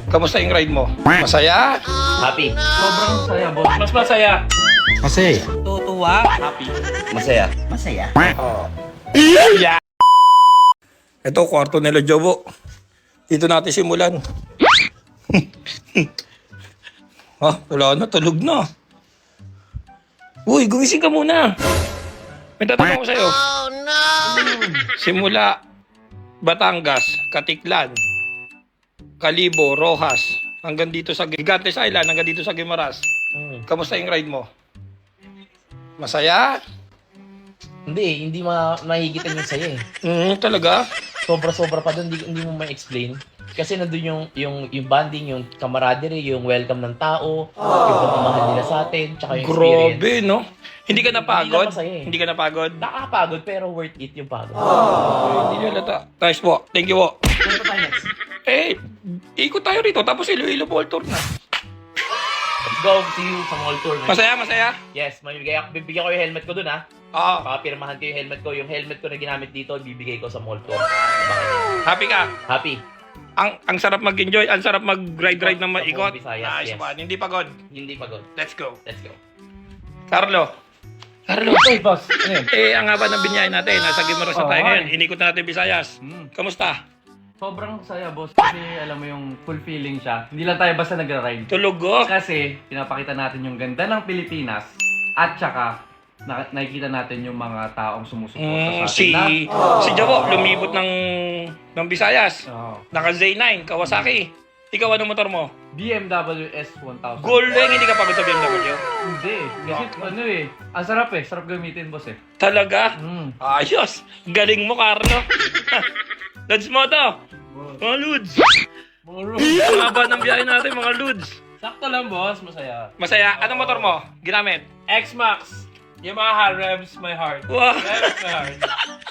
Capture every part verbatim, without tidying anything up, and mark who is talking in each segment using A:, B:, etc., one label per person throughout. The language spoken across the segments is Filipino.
A: Kamusta yung ride mo? Masaya?
B: Happy.
C: Sobrang saya, boss. Mas masaya.
D: Masaya.
C: Tutuwa.
B: Happy. Masaya.
D: Masaya.
A: Oh. Yeah. Ito, kwarto nila Jobo. Dito natin simulan. Ah, wala na, tulog na. Uy, gumising ka muna. May tatanong ko sa'yo. Oh, no! Simula, Batangas, Katiklan, Kalibo, Rojas, hanggang dito sa Gigantes Island, hanggang dito sa Guimaras.
B: Hmm.
A: Kamusta yung ride mo? Masaya?
B: Hindi, hindi ma mahigitan yung saya eh.
A: Mm, talaga?
B: Sobra-sobra pa doon, hindi, hindi mo ma-explain. Kasi nandun yung, yung, yung bonding, yung camaraderie, yung welcome ng tao, yung pagmamahal nila sa atin, tsaka yung experience.
A: Grabe, no? Hindi ka napagod?
B: Hindi lang masaya eh.
A: Hindi ka napagod?
B: Nakakapagod pero worth it yung pagod.
A: Hindi halata. Nice po. Thank you po.
B: Ano pa tayo next?
A: Eh, ikot tayo rito. Tapos Iloilo Ball Tour na.
B: Let's go, see you sa mall tour. Man.
A: Masaya, masaya?
B: Yes, mamibigay ako, bibigyan ko yung helmet ko dun ha.
A: Oo.
B: Pakapirmahan ko yung helmet ko. Yung helmet ko na ginamit dito, bibigay ko sa mall tour.
A: Happy ka?
B: Happy.
A: Ang ang sarap mag-enjoy, ang sarap mag-ride-ride na maikot.
B: Sa buong Visayas,
A: Nice
B: yes.
A: man. Hindi pagod.
B: Hindi pagod.
A: Let's go.
B: Let's go.
A: Carlo. Carlo.
C: Hey, boss. Ano yun?
A: Eh, ang haba ng binyahe natin. Nasa Guimaras na
C: Oo,
A: tayo
C: nga
A: ngayon.
C: eh.
A: Inikot na natin Visayas.
C: Hmm.
A: Kamusta?
C: Sobrang saya, boss. Kasi alam mo yung fulfilling siya. Hindi lang tayo basta nagra-ride.
A: Tulog oh.
C: Kasi pinapakita natin yung ganda ng Pilipinas at saka na nakikita natin yung mga taong sumusuporta
A: Mm,
C: sa atin
A: si
C: na.
A: si Jabo lumibot ng ng Visayas.
C: Oh.
A: Naka Z nine Kawasaki. Ikaw anong motor mo?
C: B M W S one thousand.
A: Golden, hindi ka pagod sa B M W?
C: Hindi. Kasi ano eh. Ang sarap eh. Sarap gamitin, boss eh.
A: Talaga?
C: Mm.
A: Ayos! Galing mo, Carlo. Lods mo to. Mga Lods. Ang haba ng biyahe natin, mga Lods.
C: Sakto lang, boss. Masaya.
A: Masaya. Anong motor mo? Ginamit?
C: X-Max. Yamaha revs my heart.
A: Wow.
C: Revs my heart.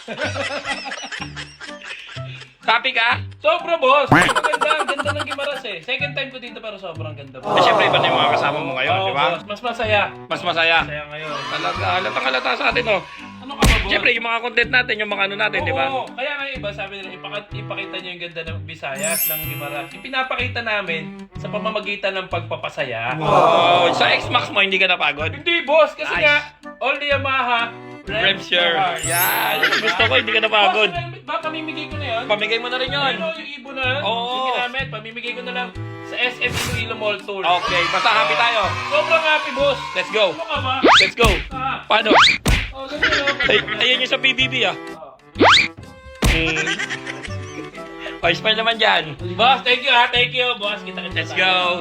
A: Happy ka?
C: Sobra, boss. Maganda. Ang ganda ng Guimaras eh. Second time ko dito pero sobrang ganda,
A: Eh,
C: boss.
A: syempre, iba na yung mga kasama mo ngayon,
C: Oo,
A: di ba?
C: boss. Mas masaya.
A: Mas masaya.
C: Masaya ngayon.
A: Talaga, halatang halata sa atin, oh.
C: Ano ka ba, boss?
A: Syempre, yung mga content natin, yung mga ano natin, di ba?
C: Oo, kaya nga iba sabi nila, ipakita, ipakita nyo yung ganda ng Visayas, ng Guimaras. Ipinapakita namin sa pamamagitan ng pagpapasaya.
A: Oh, sa X-Max mo, hindi ka napagod?
C: Hindi, boss, kasi
A: Nice.
C: nga, all the Yamaha,
A: Revs your...
C: my heart.
A: Yan, gusto ko, hindi ka napagod.
C: Boss, ba, pamimigay ko na yun?
A: Pamigay mo na rin yun.
C: Ano, yung ibo na,
A: Oo.
C: yung ginamit, pamimigay ko na lang sa S M Iloilo Mall Tour.
A: Okay, basta happy tayo.
C: Sobrang happy, boss.
A: Let's go.
C: Ano ka ba?
A: Let's go.
C: Ah,
A: Paano?
C: oh, ganun, oh.
A: Ay, ayan yung sa P B B ah. Hmm. Oh, smile naman dyan.
C: Boss, thank you ha, thank you, boss. Kita-kita
A: Let's
C: tayo.
A: go.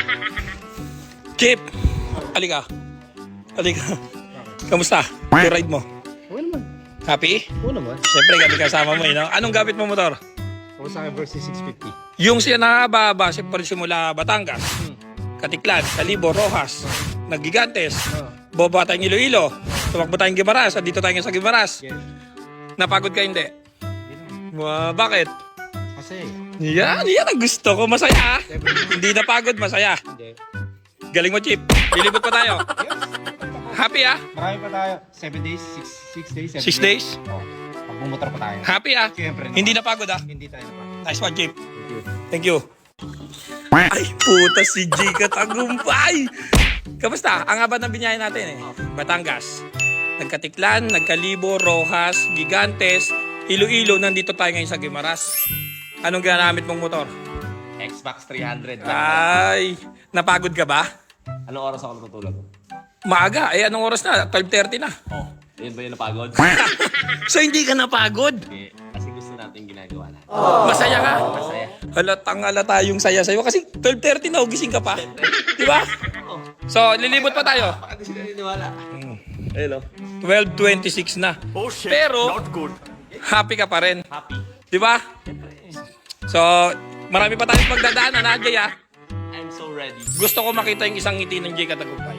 A: Chip, halika. Halika. Kamusta? Yung ride mo?
D: Oo naman.
A: Happy?
D: Oo naman.
A: Siyempre, gabi kasama mo eh, no? Anong gamit mo motor?
D: Kawasaki versus six fifty.
A: Yung siya na babase pa rin simula Batangas, Katiklan, Kalibo, Rojas, Naggigantes, boba tayong Iloilo, tumakbo tayong Guimaras, at dito tayo sa Guimaras.
D: Yes.
A: Napagod ka hindi?
D: Hindi naman.
A: Wow, bakit?
D: Kasi,
A: Yan, yan ang gusto ko. Masaya. Hindi napagod, masaya.
D: hindi.
A: Galing mo, Chip. Lilibot pa tayo.
D: Yes.
A: Happy ah?
D: Marami pa tayo. Seven days, six, six days, seven
A: Six days?
D: Oo. Pag bumotor pa tayo.
A: Happy ah?
D: Siyempre naman.
A: Hindi napagod ah?
D: Hindi tayo napagod.
A: Nice one, Chip.
D: Thank you.
A: Thank you. Ay, puta si J Katagumpay. Kamusta? Ang haba ng binyahe natin eh. Batangas. Nagkatiklan, Nagkalibo, Rojas, Gigantes, Iloilo. Nandito tayo ngayon sa Guimaras. Anong ginamit mong motor?
B: X-Max three hundred.
A: Ay, napagod ka ba?
B: Anong oras ako natutulog?
A: Maaga. Eh, anong oras na? twelve thirty na.
B: Oh, yun ba yung napagod?
A: So, hindi ka napagod?
B: Hindi. Kasi gusto natin ginagawa natin.
A: Masaya ka?
B: Masaya.
A: Halatang halata yung saya sa'yo. Kasi twelve thirty na, gising ka pa. Di ba? So, lilibot pa tayo.
B: Baka di sila niniwala. Hello.
A: twelve twenty-six na. Pero, happy ka pa rin.
B: Happy.
A: Di ba? So, marami pa tayong pagdadaanan, ha, Jay, ha?
B: I'm so ready.
A: Gusto ko makita yung isang ngiti ng Jay Katagumpay.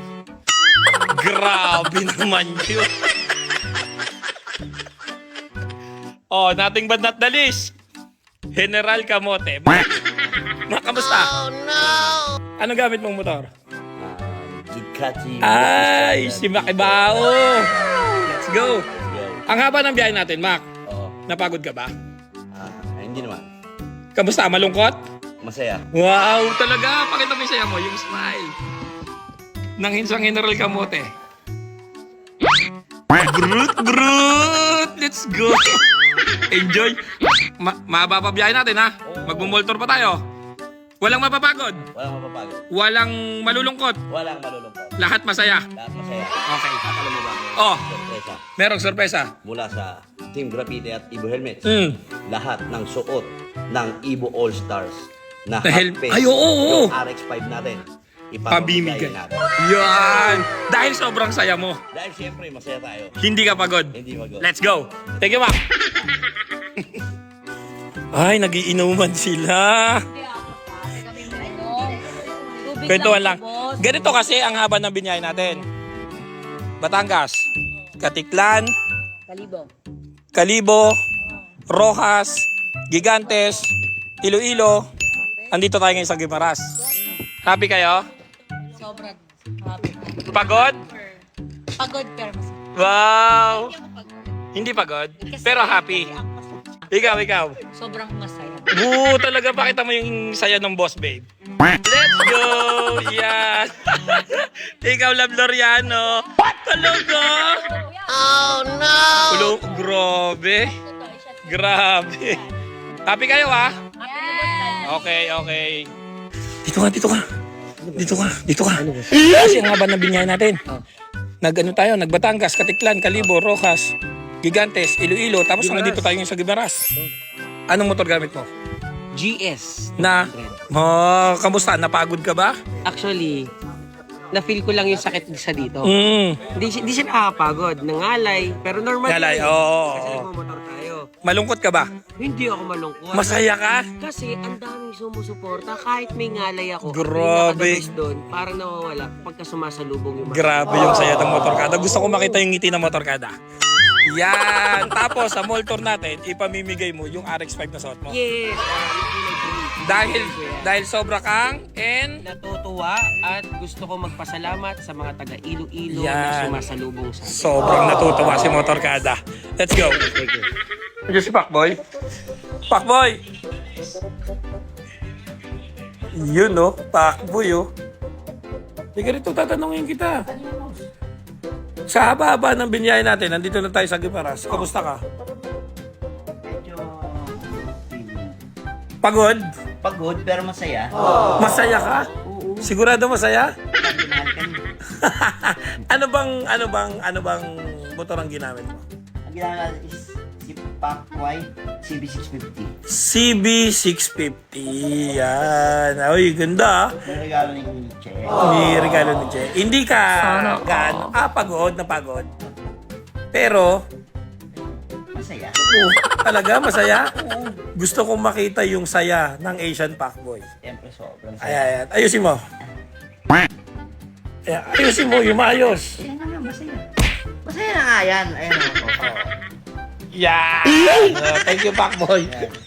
A: Grabe naman yun. Oh, nothing but not the least. General Kamote. Ma, Ma kamusta? Oh, no! Anong gamit mong motor?
B: Ducati.
A: Ay, si Makibao. Let's go. Ang haba ng biyahe natin, Mac.
B: Oo.
A: Napagod ka ba?
B: Ah, hindi naman.
A: Kamusta? Malungkot?
E: Masaya.
A: Wow, talaga. Pakita mo yung saya mo, yung smile. Nang hinsang General Kamote. Brut, brut! Let's go! Enjoy! Ma mabababiyahin natin, ha? Magmumultor pa tayo. Walang mapapagod.
E: Walang mapapagod.
A: Walang malulungkot.
E: Walang malulungkot.
A: Lahat masaya.
E: Lahat masaya.
A: Okay.
E: At alam mo ba? may
A: Oh.
E: Sorpresa.
A: Merong sorpresa.
E: Mula sa Team Graffiti at Ibo Helmets.
A: Mm.
E: Lahat ng suot ng Ibo All Stars na
A: Na hel-
E: half face.
A: Ay, oo, oo.
E: Yung R X five natin.
A: Pabimigay.
E: Ipapamigay natin.
A: Yan! Dahil sobrang saya mo.
E: Dahil siyempre, masaya tayo.
A: Hindi ka pagod.
E: Hindi mag
A: Let's go! Thank you, Mac! Ay, nagiinuman sila. Kwentuhan lang. Ganito kasi ang haba ng binyay natin. Batangas, Katiklan,
F: Kalibo.
A: Kalibo, Rojas, Gigantes, Iloilo. Andito tayo ngayon sa Guimaras. Happy kayo?
F: Sobrang happy.
A: Pagod?
F: Pagod pero mas
A: Wow!
F: pagod.
A: Hindi pagod, pero happy. Ikaw, ikaw.
F: Sobrang masaya.
A: Oo, talaga pakita mo yung saya ng boss, babe. Let's go! Yan! Ikaw, Love Loriano. Talaga? Oh, no! Ulo, grabe. Grabe. Happy kayo, ha? Okay, okay. Dito ka, dito ka. Dito ka, dito ka. Kasi ang haba ng binyahe natin. Nag-ano tayo, nagbatangas, Katiklan, Kalibo, Rojas, Gigantes, Iloilo, tapos hanggang dito tayo ngayon sa Guimaras. Anong motor gamit mo?
G: G S.
A: Na, oh, kamusta? Napagod ka ba?
G: Actually, na-feel ko lang yung sakit sa dito.
A: Mm.
G: Hindi siya, hindi siya nakakapagod. Nangalay. Pero normal
A: Ngalay,
G: yun.
A: oo, oo,
G: Kasi
A: oo.
G: nagmamotor tayo.
A: Malungkot ka ba?
G: Hindi ako malungkot.
A: Masaya ka?
G: Kasi ang daming sumusuporta. Kahit may ngalay ako.
A: Grabe.
G: Yung doon, parang nawawala pagka sumasalubong yung mga.
A: Grabe yung saya ng motorkada. Gusto ko makita yung ngiti ng motorkada. Yan! Tapos, sa mall tour natin, ipamimigay mo yung R X five na suot mo.
G: Yes.
A: Dahil, dahil sobra kang and
G: Natutuwa at gusto ko magpasalamat sa mga taga Iloilo
A: Yan.
G: na sumasalubong sa akin.
A: sobrang natutuwa si motorkada. Let's go!
G: Thank you.
A: Ito si Pacboy. Pacboy! Yun no, Pacboy oh. Hindi ka rito, tatanungin kita. Sa haba-haba ng binyahe natin, nandito na tayo sa Guimaras. Kamusta ka?
H: Medyo
A: Pagod?
H: pagod pero masaya.
A: Masaya ka? Sigurado masaya?
H: Sabi mahal ka niya.
A: ano bang, ano bang, ano bang motor ang ginamit mo?
H: Ang ginagawa is si Pacboy C B six fifty.
A: C B six fifty. Yan. Ay, ganda ah.
H: Yung regalo ni Che.
A: May regalo ni Che. Hindi ka gaano. Ah, pagod na pagod. Pero,
H: Masaya.
A: oh, talaga masaya. Gusto kong makita yung saya ng Asian Pacboy.
H: Siyempre sobrang
A: Ay,
H: saya.
A: ay, ay. Ayusin mo. Ay, ayusin mo, yung maayos.
H: Masaya na nga, masaya. Masaya na nga yan. Ayun ako.
A: Yeah! Uh, thank you, Pacboy.